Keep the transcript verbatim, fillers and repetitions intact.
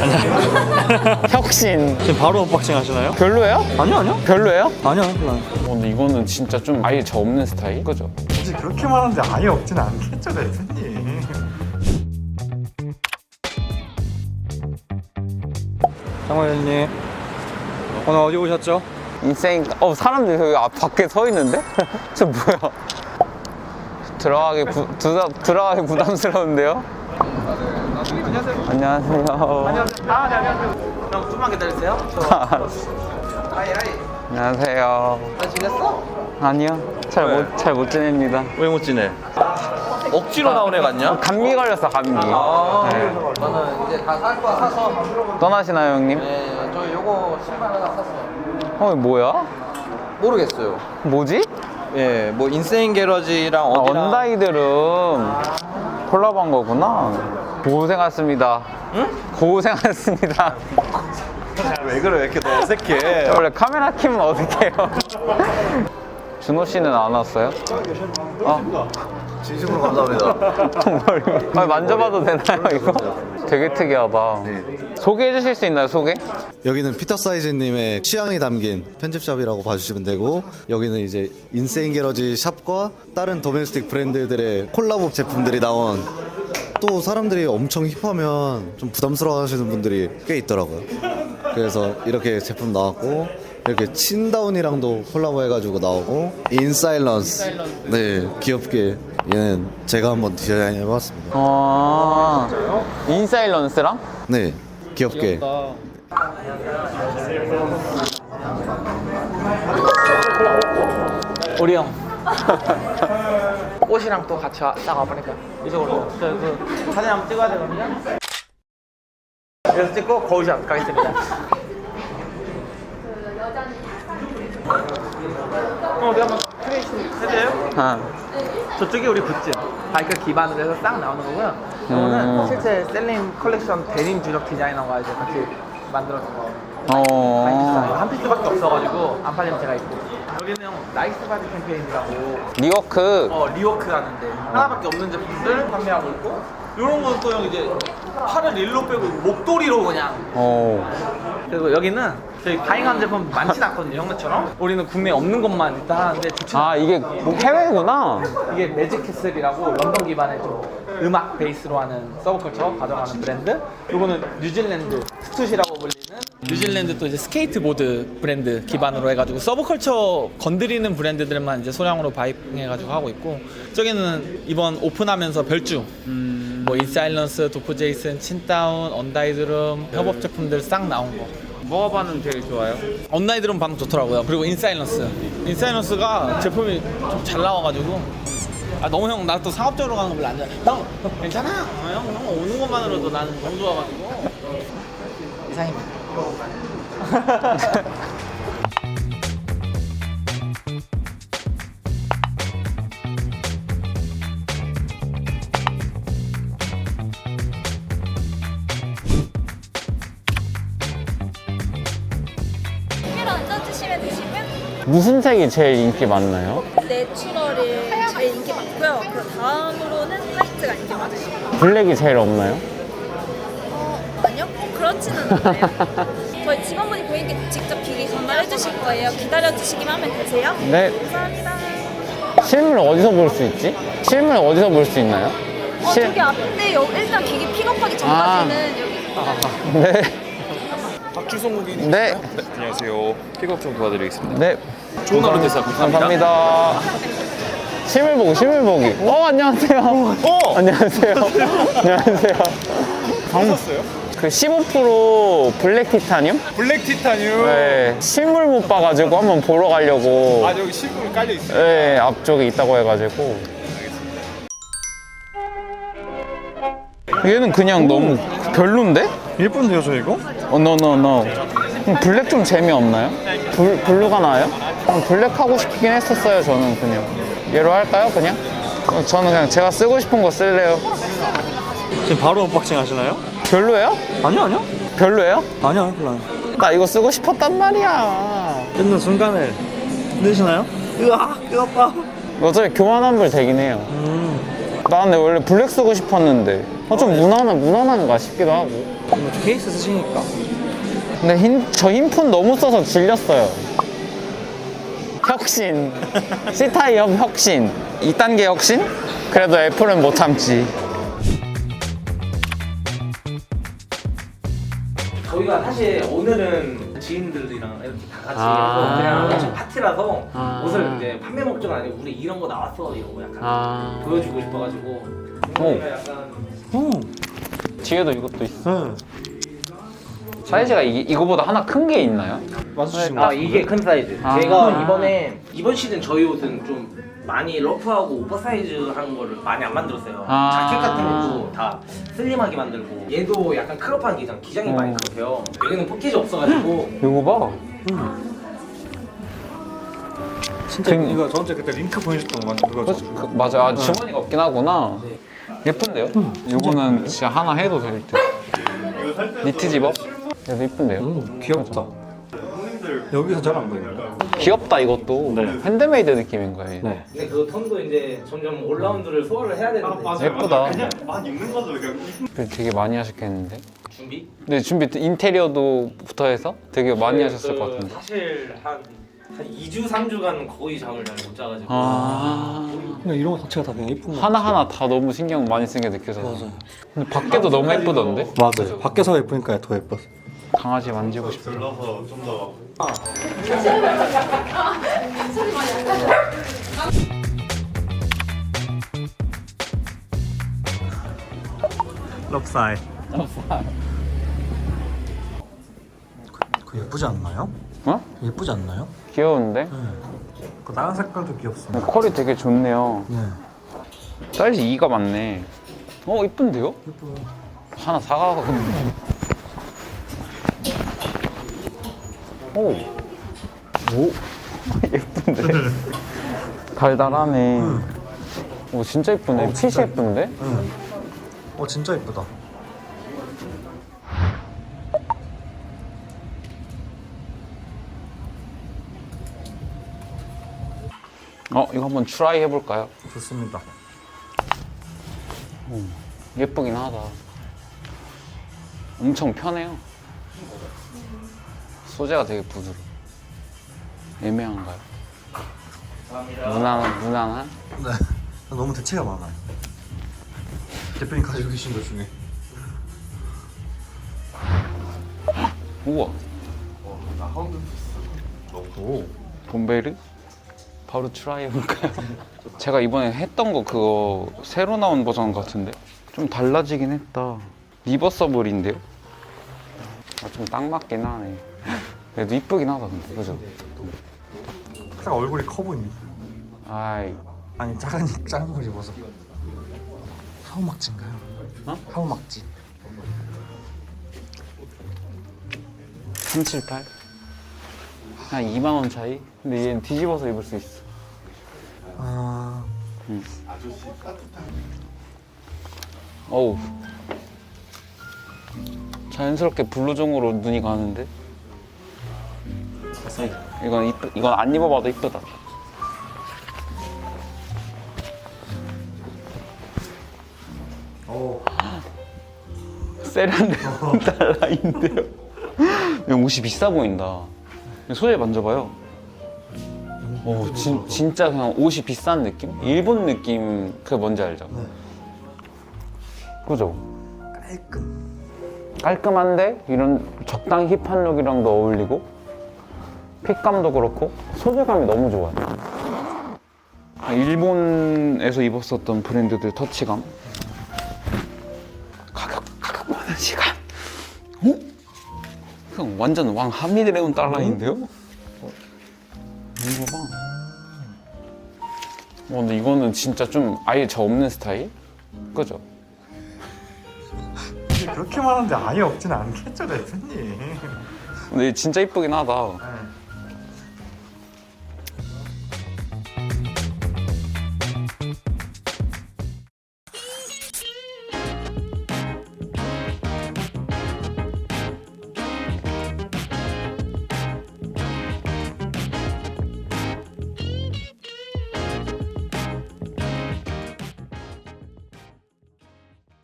혁신. 지금 바로 언박싱 하시나요? 별로예요? 아니요 아니요 별로예요? 아니요 별로 어, 근데 이거는 진짜 좀 아예 저 없는 스타일? 그죠? 굳이 그렇게 말하는데 아예 없진 않겠죠, 대표님. 장관님 오늘 어디 오셨죠? 인생. 어, 사람들이 여기 앞 밖에 서 있는데? 저 뭐야? 들어가기 부, 두다, 들어가기 부담스러운데요? 안녕하세요. 안녕하세요. 안녕하세요. 아, 네, 안녕하세요. 그럼 좀만 기다리세요. 하이, 하이. 안녕하세요. 잘 지냈어? 아니요. 잘 못, 잘 못 지냅니다. 왜 못 지내? 억지로 나온 애 같냐? 감기 걸렸어, 감기. 아, 네. 저는 이제 다 살 거야, 사서. 떠나시나요, 형님? 네, 저 요거 신발 하나 샀어요. 어, 뭐야? 모르겠어요. 뭐지? 예, 뭐 인세인 게러지랑 아, 어디랑. 언다이드름 콜라보한 거구나. 고생하셨습니다. 응? 고생하셨습니다. 왜 그래 왜 이렇게 너 어색해? 원래 카메라 켜면 어떡해요? 준호 씨는 안 왔어요? 어? 진심으로 감사합니다. 정말. 아니, 만져봐도 되나요, 이거? 되게 특이하다. 소개해 주실 수 있나요, 소개? 여기는 피터 사이즈님의 취향이 담긴 편집샵이라고 봐주시면 되고, 여기는 이제 인세인 게러지 샵과 다른 도메스틱 브랜드들의 콜라보 제품들이 나온, 또 사람들이 엄청 힙하면 좀 부담스러워 하시는 분들이 꽤 있더라고요. 그래서 이렇게 제품 나왔고, 이렇게 친다운이랑도 콜라보 해가지고 나오고, 인사일런스. 네, 귀엽게 얘는 제가 한번 디자인 해봤습니다. 아, 인사일런스랑? 네, 귀엽게. 우리 형. 옷이랑 또 같이 와, 딱 와보니까 이쪽으로. 저 그 사진 한번 찍어야 되거든요. 여기서 찍고 거울샷 가겠습니다. 어, 우리 한번 크리에이션 해줘요? 아, 저쪽이 우리 굿즈 바이크 기반으로 해서 싹 나오는 거고요. 이거는 음. 실제 셀림 컬렉션 데님 주력 디자이너가 이제 같이 만들어준 거. 어. 바이크 한 피스밖에 없어가지고 안 팔리면 제가 입고. 여기는 형 나이스 바디 캠페인이라고 리워크. 어 리워크 하는데 하나밖에 없는 제품들 판매하고 있고, 이런 건 또 형 이제 팔을 일로 빼고 목도리로 그냥. 어. 그리고 여기는 저희 가잉한 제품 많진 않거든요, 형네처럼. 우리는 국내에 없는 것만 일단 하는데 좋지. 아, 이게 해외구나. 이게 매직캐슬이라고 런던 기반의 좀 음악 베이스로 하는 서브컬처 가져가는 브랜드. 요거는 뉴질랜드 스투시라고 불리는 뉴질랜드 또 이제 스케이트보드 브랜드 기반으로 해가지고 서브컬처 건드리는 브랜드들만 이제 소량으로 바이킹해가지고 하고 있고, 저기는 이번 오픈하면서 별주 음... 뭐 인사일런스, 도프 제이슨, 친다운, 언다이드룸 협업 제품들 싹 나온 거. 뭐가 반응 제일 좋아요? 언다이드룸 반응 좋더라고요. 그리고 인사일런스 인사일런스가 제품이 좀 잘 나와가지고. 아 너무 형 나 또 상업적으로 가는 거 별로 안 좋아해. 형 괜찮아. 어, 형, 형 오는 것만으로도 나는 너무 좋아가지고. 이상입니다. 를 얹어주시면 되시고요. 무슨 색이 제일 인기 많나요? 내추럴이 제일 인기 많고요. 그 다음으로는 화이트가 인기 많으시고. 블랙이 제일 없나요? 어, 아니요, 꼭 그렇지는 않아요. 저희 직원분이 고객께 직접 기기 전달해 주실 거예요. 기다려 주시기만 하면 되세요. 네. 감사합니다. 실물 어디서 볼 수 있지? 실물 어디서 볼 수 있나요? 어, 실- 저기 앞인데 여, 일단 기기 픽업하기 전까지는 여기. 네. 박주성 고객님. 네. 안녕하세요. 픽업 좀 도와드리겠습니다. 네. 좋은 하루 되세요. 감사합니다. 감사합니다. 실물 보기, 실물 보기. 어, 안녕하세요. 어! 안녕하세요. 안녕하세요. 방, 샀어요? 그 십오 퍼센트 블랙 티타늄? 블랙 티타늄. 네. 실물 못 봐가지고 한번 보러 가려고. 아 여기 실물 깔려 있어요. 네, 앞쪽에 있다고 해가지고. 얘는 그냥 너무 별론데? 예쁜데요 저 이거? 어, no, no, no. 그럼 블랙 좀 재미없나요? 블, 블루가 나아요? 그냥 블랙 하고 싶긴 했었어요, 저는 그냥. 얘로 할까요, 그냥? 어, 저는 그냥 제가 쓰고 싶은 거 쓸래요. 지금 바로 언박싱 하시나요? 별로예요? 아니요 아니요 별로예요? 아니요 별로 안. 나 이거 쓰고 싶었단 말이야. 뜯는 순간에 흔드시나요? 으아 뜨겁다. 어차피 교환 환불 되긴 해요. 음. 나 근데 원래 블랙 쓰고 싶었는데 어, 좀 무난한, 무난한가 싶기도 하고. 뭐 케이스 쓰시니까. 근데 흰, 저 흰폰 너무 써서 질렸어요. 혁신. C타입 혁신. 이 단계 혁신? 그래도 애플은 못 참지. 저희가 사실 오늘은 지인들이랑 이렇게 다 같이 아. 해서 그냥 엄청 파티라서 아. 옷을 이제 판매 목적은 아니고 우리 이런 거 나왔어 이런 거 약간 아. 보여주고 싶어가지고 오. 저희가 약간 오. 뒤에도 이것도 있어. 네. 사이즈가 이, 이거보다 하나 큰 게 있나요? 맞으신 아 이게 큰 사이즈. 아. 제가 이번에 이번 시즌 저희 옷은 좀 많이 러프하고 오버사이즈한 거를 많이 안 만들었어요. 아. 자켓 같은 것도 다 슬림하게 만들고 얘도 약간 크롭한 기장, 기장이 어. 많이 크세요. 여기는 포켓이 없어가지고 이거 봐. 진짜 그- 이거 저한테 그때 링크 보내줬던 거 맞죠? 그거 그, 그, 맞아. 아, 주머니가 없긴 하구나. 예쁜데요? 이거는 진짜 하나 해도 될 듯. 니트 집업? 그래도 이쁜데요? 음, 귀엽다. 여기서 잘 안 보이네요. 귀엽다 이것도. 핸드메이드 느낌인 거예요. 네. 근데 그 톤도 이제 점점 올라운드를 소화를 해야 되는데 예쁘다. 그냥 막 입는 거죠. 그냥 되게 많이 하셨겠는데? 준비? 네, 준비 인테리어도 부터 해서 되게 많이 그, 하셨을 그, 것 같은데. 사실 한, 한 이 주, 삼 주간 거의 잠을 잘 못 자가지고 아. 그냥 이런 거 자체가 다 그냥 이쁜 거. 하나하나 다 너무 신경 많이 쓴 게 느껴져서. 맞아요. 근데 밖에도 너무 예쁘던데? 맞아요. 밖에서 예쁘니까 더 예뻤어. 강아지 만지고 싶어. 들러서 좀 더. 럽사이. 그 예쁘지 않나요? 어? 예쁘지 않나요? 귀여운데? 그 다른 색깔도 귀엽습니다. 근데 컬이 되게 좋네요. 네. 사이즈 이가 맞네. 어, 이쁜데요? 예뻐요. 하나 사가고. 오. 오. 예쁜데? 달달하네. 오, 진짜 예쁘네. 핏이 예쁜데? 응. 어 진짜 예쁘다. 어, 이거 한번 트라이 해볼까요? 좋습니다. 예쁘긴 하다. 엄청 편해요. 소재가 되게 부드러워. 애매한가요? 무난한, 무난한? 네. 너무 대체가 많아요. 대표님 가지고 계신 것 중에. 우와. 오. 봄베르? 바로 트라이 해볼까요? 제가 이번에 했던 거 그거 새로 나온 버전 같은데? 좀 달라지긴 했다. 리버서블인데요? 아, 좀 딱 맞긴 하네. 그래도 이쁘긴 하다 근데, 그죠? 딱 얼굴이 커 보이네. 아이, 아니 작은 작은 걸 입어서. 하우막지인가요? 어? 하우막지. 삼백칠십팔? 한 이만 원 차이? 근데 얘는 뒤집어서 입을 수 있어. 아. 어우. 자연스럽게 블루종으로 눈이 가는데? 이건 이쁘, 이건 안 입어봐도 이쁘다. 오. 세련된 달라인데요. 이거 옷이 비싸 보인다. 소재 만져봐요. 오, 진, 진짜 그냥 옷이 비싼 느낌? 일본 느낌, 그게 뭔지 알죠? 네. 그죠? 깔끔. 깔끔한데 이런 적당히 힙한 룩이랑도 어울리고 핏감도 그렇고 소재감이 너무 좋아요. 아, 일본에서 입었었던 브랜드들 터치감. 가격, 가격 많은 시간. 어? 그냥 완전 왕 한미드레온 달러인데요? 이거 봐. 어, 근데 이거는 진짜 좀 아예 저 없는 스타일? 그죠? 그렇게 많은데 아예 없진 않겠죠, 대표님. 근데 진짜 이쁘긴 하다.